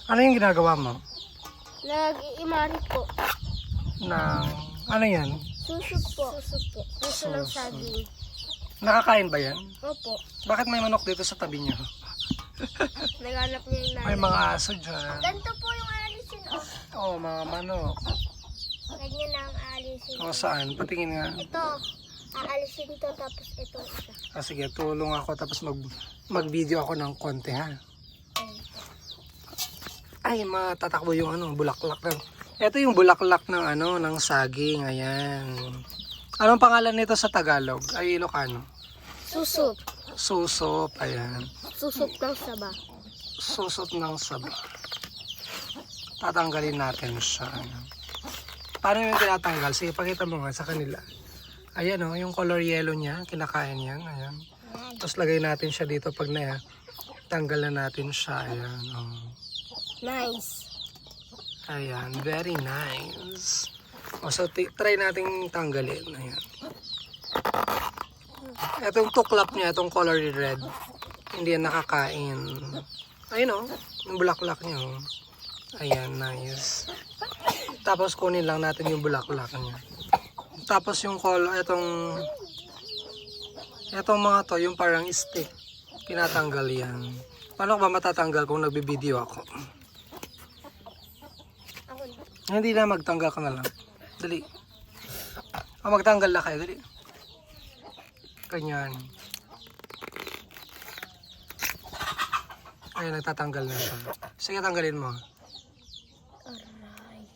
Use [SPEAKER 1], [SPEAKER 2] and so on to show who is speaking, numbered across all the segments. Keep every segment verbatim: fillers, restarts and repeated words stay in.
[SPEAKER 1] Ano yung ginagawa mo?
[SPEAKER 2] Nag-iimari po.
[SPEAKER 1] Ng, ano yan?
[SPEAKER 2] Suso po. Suso po. Suso ng
[SPEAKER 1] Suso.
[SPEAKER 2] saging.
[SPEAKER 1] Nakakain ba yan?
[SPEAKER 2] Opo.
[SPEAKER 1] Bakit may manok dito sa tabi niyo?
[SPEAKER 2] Naghanap niya yung nanay.
[SPEAKER 1] May mga aso dyan.
[SPEAKER 2] Ganito po yung alisin, oh.
[SPEAKER 1] Oo, oh, mga manok.
[SPEAKER 2] Ganyan na ang alisin.
[SPEAKER 1] O saan? Patingin nga.
[SPEAKER 2] Ito, aalisin to tapos ito isa.
[SPEAKER 1] Ah, sige, tulong ako tapos mag, mag-video ako ng konti ha. Ay, matatakbo yung ano, bulaklak ng. Ito yung bulaklak ng ano, ng saging. Ayan. Anong pangalan nito sa Tagalog? Ay, Ilocano.
[SPEAKER 2] Susop.
[SPEAKER 1] Susop. Ayan.
[SPEAKER 2] Susop ng saba.
[SPEAKER 1] Susop ng saba. Tatanggalin natin siya. Ayan. Paano yung tinatanggal? Sige, pakita mo nga sa kanila. Ayan o, oh, yung color yellow niya, kinakain yan. Ayan. Tapos lagay natin siya dito pag na tanggal na natin siya. Ayan. Oh.
[SPEAKER 2] Nice.
[SPEAKER 1] Ayan, very nice. O, so, try nating tanggalin. Ayan. Itong tuklap niya, itong color red, hindi yan nakakain. Ayun o, yung bulaklak niya o. Ayan, nice. Tapos kunin lang natin yung bulaklak niya. Tapos yung color, itong, itong mga to, yung parang stick, tinatanggal yan. Paano ba matatanggal kung nagbibideo ako? Hindi na, magtanggal ka na lang. Dali. O, magtanggal na kayo. Dali. Ganyan. Ayun, nagtatanggal na siya. Sige, tanggalin mo.
[SPEAKER 2] Aray.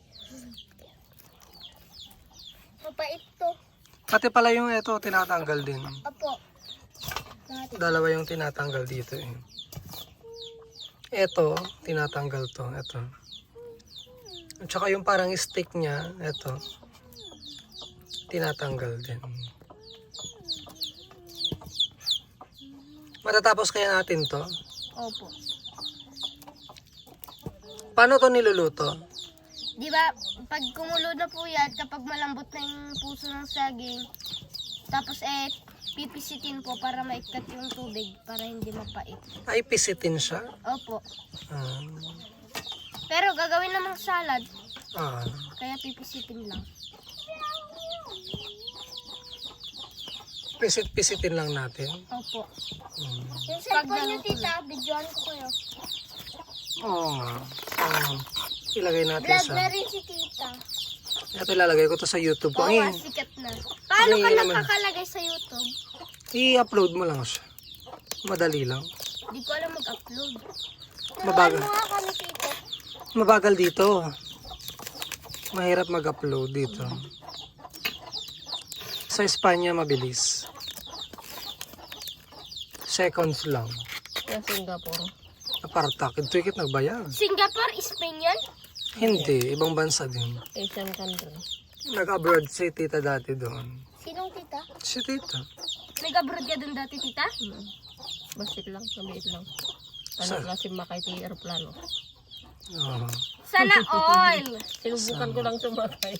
[SPEAKER 2] Mapait to.
[SPEAKER 1] Pati pala yung ito, tinatanggal din.
[SPEAKER 2] Apo.
[SPEAKER 1] Dalawa yung tinatanggal dito eh. Ito, tinatanggal to. Ito. At saka yung parang stick niya, ito, tinatanggal din. Matatapos kaya natin to?
[SPEAKER 2] Opo.
[SPEAKER 1] Paano to niluluto?
[SPEAKER 2] Di ba, pag kumulo na po yan, kapag malambot na yung puso ng saging, tapos eh, pipisitin po para maikat yung tubig, para hindi mapait.
[SPEAKER 1] Ay, pisitin siya?
[SPEAKER 2] Opo.
[SPEAKER 1] Ah.
[SPEAKER 2] Pero gagawin namang salad,
[SPEAKER 1] Ah.
[SPEAKER 2] kaya pipisitin lang.
[SPEAKER 1] Pisit-pisitin lang natin.
[SPEAKER 2] Opo.
[SPEAKER 1] Hmm.
[SPEAKER 2] Yung cellphone nyo, tita, videoan ko kayo.
[SPEAKER 1] Oo nga. So, ilagay natin
[SPEAKER 2] Vlog
[SPEAKER 1] sa...
[SPEAKER 2] na rin si tita.
[SPEAKER 1] Ito ilalagay ko to sa YouTube ko.
[SPEAKER 2] Oo,
[SPEAKER 1] Ngayon,
[SPEAKER 2] sikat na. Paano
[SPEAKER 1] Ay,
[SPEAKER 2] ka
[SPEAKER 1] naman.
[SPEAKER 2] nakakalagay sa YouTube?
[SPEAKER 1] i-upload mo lang siya. Madali lang.
[SPEAKER 2] Di ko alam mag-upload.
[SPEAKER 1] Mabagal.
[SPEAKER 2] Turuan mo nga kami, tita.
[SPEAKER 1] Mabagal dito. Mahirap mag-upload dito. Sa Espanya, mabilis. Seconds lang.
[SPEAKER 2] Yung Singapore.
[SPEAKER 1] Apartak. Ito ikit nagbayad.
[SPEAKER 2] Singapore, Spain yan?
[SPEAKER 1] Hindi. Ibang bansa din.
[SPEAKER 2] Asian country.
[SPEAKER 1] Nag-abroad si tita dati doon.
[SPEAKER 2] Sinong tita?
[SPEAKER 1] Si tita.
[SPEAKER 2] Nag-abroad ka dun dati, tita?
[SPEAKER 3] Hmm. Basit lang, maliit lang.
[SPEAKER 1] Sa-
[SPEAKER 3] Ano klase makay ti aeroplano.
[SPEAKER 1] Oo.
[SPEAKER 2] Sana all!
[SPEAKER 3] Sinubukan ko lang sumakay.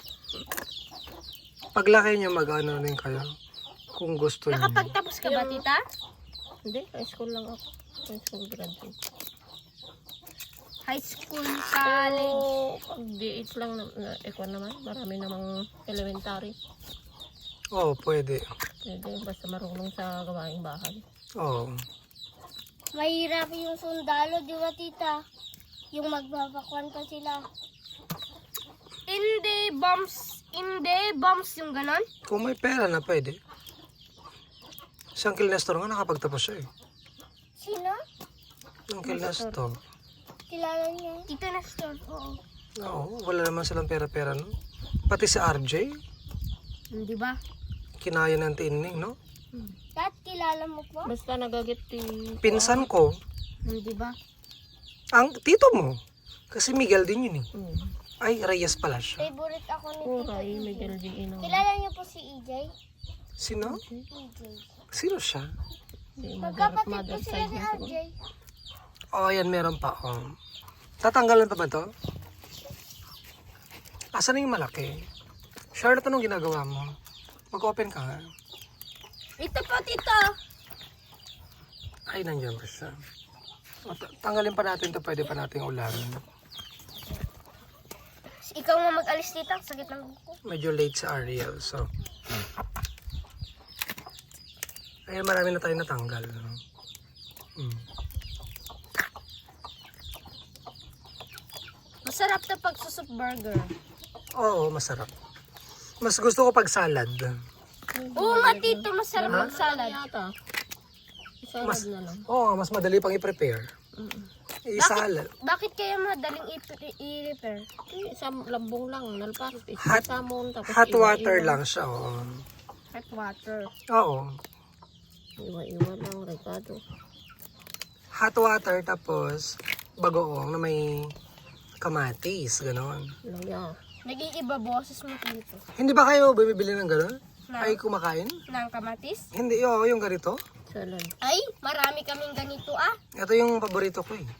[SPEAKER 1] Paglaki nyo, mag-ano rin kayo. Kung gusto nyo.
[SPEAKER 2] Nakapagtapos ka ba, tita?
[SPEAKER 3] Hindi, high school lang ako. High school graduate.
[SPEAKER 2] High school,
[SPEAKER 3] Pero
[SPEAKER 2] college.
[SPEAKER 3] pag D H lang, na, na, ikaw naman, marami namang elementary.
[SPEAKER 1] Oo, pwede.
[SPEAKER 3] Pwede, basta marunong sa gawaing bahay.
[SPEAKER 1] Oo.
[SPEAKER 2] Mahirap yung sundalo, di ba, tita? Yung magbabakwan pa sila. Hindi, bombs. Hindi, bombs yung ganon.
[SPEAKER 1] Kung may pera na, pwede. Si Uncle Nestor nga nakapagtapos siya eh.
[SPEAKER 2] Sino?
[SPEAKER 1] Uncle Nestor.
[SPEAKER 2] Kilala niya. Tita Nestor, oo.
[SPEAKER 1] Oo, wala naman silang pera-pera, no? Pati si R J,
[SPEAKER 2] Hindi ba?
[SPEAKER 1] kinaya ng tining, no?
[SPEAKER 2] Dad, kilala mo po?
[SPEAKER 3] Basta nagagit ti...
[SPEAKER 1] Pinsan ko,
[SPEAKER 2] Hindi ba?
[SPEAKER 1] ang tito mo. Kasi Miguel din yun eh.
[SPEAKER 3] Hmm.
[SPEAKER 1] Ay, Reyes pala siya.
[SPEAKER 2] Favorite ako ni Tita
[SPEAKER 3] Kuray,
[SPEAKER 2] E J.
[SPEAKER 3] Miguel G. Ino.
[SPEAKER 2] Kilala niyo po si E J?
[SPEAKER 1] Sino?
[SPEAKER 2] E J.
[SPEAKER 1] Sino siya?
[SPEAKER 3] Mother,
[SPEAKER 2] Magkapatid po
[SPEAKER 3] mother
[SPEAKER 2] sila
[SPEAKER 3] side
[SPEAKER 2] ni
[SPEAKER 3] niya
[SPEAKER 2] R
[SPEAKER 3] siguro.
[SPEAKER 2] J.
[SPEAKER 1] Oh, yan, meron pa. Oh. Tatanggalan pa ba to? Asan na yung malaki? Charlotte, anong ginagawa mo? Mag-open ka nga.
[SPEAKER 2] Ito po, tito.
[SPEAKER 1] Ay, nandiyan pa siya. O, ta- tanggalin pa natin to, pwede pa nating ulamin.
[SPEAKER 2] Ikaw nga mag-alis dito, ang sakit ng kuko.
[SPEAKER 1] Medyo late sa Ariel, so. Ayan, marami na tayo natanggal. No? Mm.
[SPEAKER 2] Masarap na pag susop burger.
[SPEAKER 1] Oo, masarap. Mas gusto ko pag salad.
[SPEAKER 2] Oo nga tito, masarap
[SPEAKER 1] Ha?
[SPEAKER 2] mag salad.
[SPEAKER 3] Yata. Isalad
[SPEAKER 1] Mas,
[SPEAKER 3] na lang.
[SPEAKER 1] oo, mas madali pang i-prepare. I-salad.
[SPEAKER 2] Bakit kaya madaling i- i-repair?
[SPEAKER 3] Eh, Isang lambong lang, nalpas.
[SPEAKER 1] Hot-
[SPEAKER 3] Isamon, tapos
[SPEAKER 1] Hot water
[SPEAKER 3] iwa-iwa.
[SPEAKER 1] lang siya, oo.
[SPEAKER 2] Hot water.
[SPEAKER 1] Oo.
[SPEAKER 3] Iwa-iwa lang, Ricardo.
[SPEAKER 1] Hot water, tapos bagoong na may kamatis, gano'n.
[SPEAKER 3] Laya.
[SPEAKER 2] Nag-iiba boses mo dito.
[SPEAKER 1] Hindi ba kayo bumibili ng gano'n?
[SPEAKER 2] Na,
[SPEAKER 1] Ay, kumakain?
[SPEAKER 2] ng kamatis?
[SPEAKER 1] Hindi, oo, yung ganito.
[SPEAKER 3] Salad.
[SPEAKER 2] Ay, marami kaming ganito ah.
[SPEAKER 1] Ito yung paborito ko eh.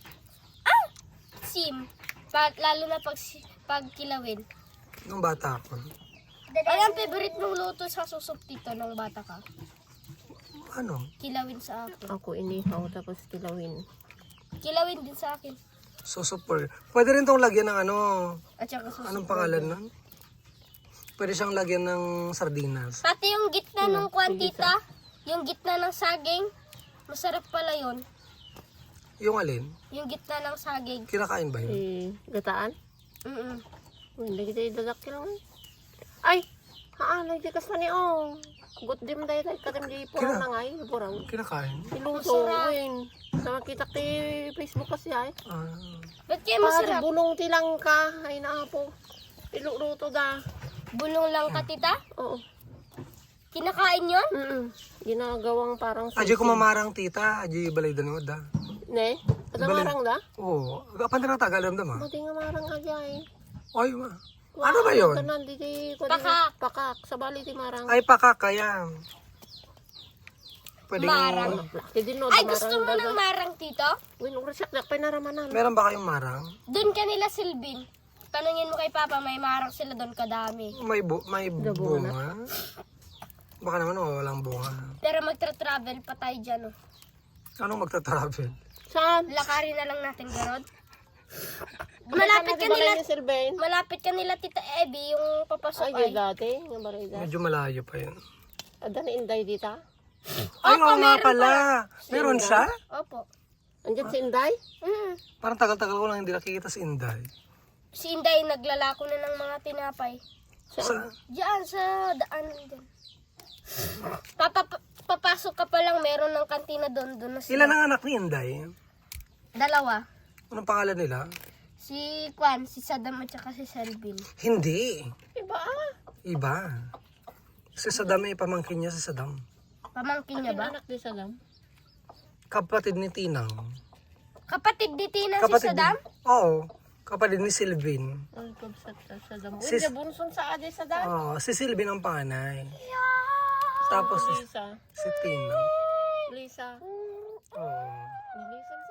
[SPEAKER 2] Sim. Pa, lalo na pag, si- pag kilawin.
[SPEAKER 1] Nung bata ako.
[SPEAKER 2] Ay, ang favorite mong luto sa susop dito nung bata ka?
[SPEAKER 1] Ano?
[SPEAKER 2] Kilawin sa akin.
[SPEAKER 3] Ako inihaw, tapos kilawin.
[SPEAKER 2] Kilawin din sa akin.
[SPEAKER 1] So super. Pwede rin tong lagyan ng ano,
[SPEAKER 2] At saka susop.
[SPEAKER 1] anong pangalan nun? Pwede siyang lagyan ng sardinas.
[SPEAKER 2] Pati yung gitna ng kwantita, yung gitna ng saging, masarap pala yun.
[SPEAKER 1] Yung alin?
[SPEAKER 2] Yung gitna ng saging.
[SPEAKER 1] Kinakain ba yun?
[SPEAKER 3] Eh, gataan?
[SPEAKER 2] Mm-mm.
[SPEAKER 3] Uy, hindi kita idalak lang. Ay! Haan, hindi ka sa ni oh. Gut dim day day katim di purang
[SPEAKER 1] Kina-
[SPEAKER 3] na ngay, purang.
[SPEAKER 1] Kinakain?
[SPEAKER 3] Iluto,
[SPEAKER 2] Masarap.
[SPEAKER 3] win. Sama kita ti Facebook kasi ay.
[SPEAKER 1] Ah.
[SPEAKER 2] Ba't kaya
[SPEAKER 3] Pare,
[SPEAKER 2] masarap?
[SPEAKER 3] bulong tilang ka. Ay naapo. Iluto da.
[SPEAKER 2] Bulong lang ka, tita?
[SPEAKER 3] Oo.
[SPEAKER 2] Kinakain yun?
[SPEAKER 3] Mm Ginagawang parang
[SPEAKER 1] Adyo ko mamarang tita, adyo balay danod ah.
[SPEAKER 3] Ne? Ada
[SPEAKER 1] Bali-
[SPEAKER 3] marang da?
[SPEAKER 1] Oo. Kapan na tagal dam ah.
[SPEAKER 3] Mati nga marang aja eh.
[SPEAKER 1] Ay, ma. Ano ba yun?
[SPEAKER 3] Kanan di di
[SPEAKER 2] Pakak.
[SPEAKER 3] Pakak. Sa bali ti marang.
[SPEAKER 1] Ay, pakakaya. Pwede
[SPEAKER 2] Marang.
[SPEAKER 3] Ti din no
[SPEAKER 2] Ay,
[SPEAKER 3] da
[SPEAKER 2] gusto
[SPEAKER 3] marang
[SPEAKER 2] mo
[SPEAKER 3] da.
[SPEAKER 2] ng marang, tito?
[SPEAKER 3] Win ung resak dak pinaramanan.
[SPEAKER 1] Meron ba kayong marang?
[SPEAKER 2] Doon ka nila silbin. Tanungin mo kay Papa, may marang sila doon kadami.
[SPEAKER 1] May bu may
[SPEAKER 3] bunga
[SPEAKER 1] bunga? Baka naman oh, walang bunga.
[SPEAKER 2] Pero magtra-travel pa tayo dyan, oh.
[SPEAKER 1] Anong magta-travel?
[SPEAKER 3] Saan?
[SPEAKER 2] Lakarin na lang natin, Garod. Malapit ka nila,
[SPEAKER 3] Silvain.
[SPEAKER 2] malapit ka nila, Tita Abby, yung papasok
[SPEAKER 3] Ay,
[SPEAKER 2] ay.
[SPEAKER 3] dati. Nga barida.
[SPEAKER 1] Medyo malayo pa yun.
[SPEAKER 3] Ada na Inday dita.
[SPEAKER 1] Ay,
[SPEAKER 2] Opo,
[SPEAKER 1] oo nga
[SPEAKER 2] meron
[SPEAKER 1] pala. Meron siya?
[SPEAKER 2] Opo.
[SPEAKER 3] Andyan si Inday?
[SPEAKER 2] Mm.
[SPEAKER 1] Parang tagal-tagal ko lang hindi nakikita si Inday.
[SPEAKER 2] Si Inday, naglalako na ng mga tinapay.
[SPEAKER 1] Sa,
[SPEAKER 2] Diyan, sa daan din. Papa, pa- papasok ka pa lang, meron ng kantina doon. Doon na sila.
[SPEAKER 1] ilan ang anak ni Inday?
[SPEAKER 2] Dalawa.
[SPEAKER 1] Anong pangalan nila?
[SPEAKER 2] Si Kwan, si Saddam at saka si Selvin.
[SPEAKER 1] Hindi.
[SPEAKER 3] Iba ah.
[SPEAKER 1] Iba. Si Saddam ay pamangkin niya si Saddam.
[SPEAKER 2] Pamangkin niya ba?
[SPEAKER 3] Anak di Salam.
[SPEAKER 1] Kapatid ni Tinang.
[SPEAKER 2] Kapatid ni Tina si
[SPEAKER 1] Kapatid
[SPEAKER 2] Saddam?
[SPEAKER 1] Ni, oo. Kapatid ni Silvin.
[SPEAKER 3] Ay, kabsat sa Salam. Uy,
[SPEAKER 1] Sis-
[SPEAKER 3] bunson sa ade Salam.
[SPEAKER 1] Oo, si Silvin ang panganay. Tapos si,
[SPEAKER 3] Lisa.
[SPEAKER 1] si Tinang.
[SPEAKER 3] Lisa.
[SPEAKER 1] Oo.
[SPEAKER 3] Lisa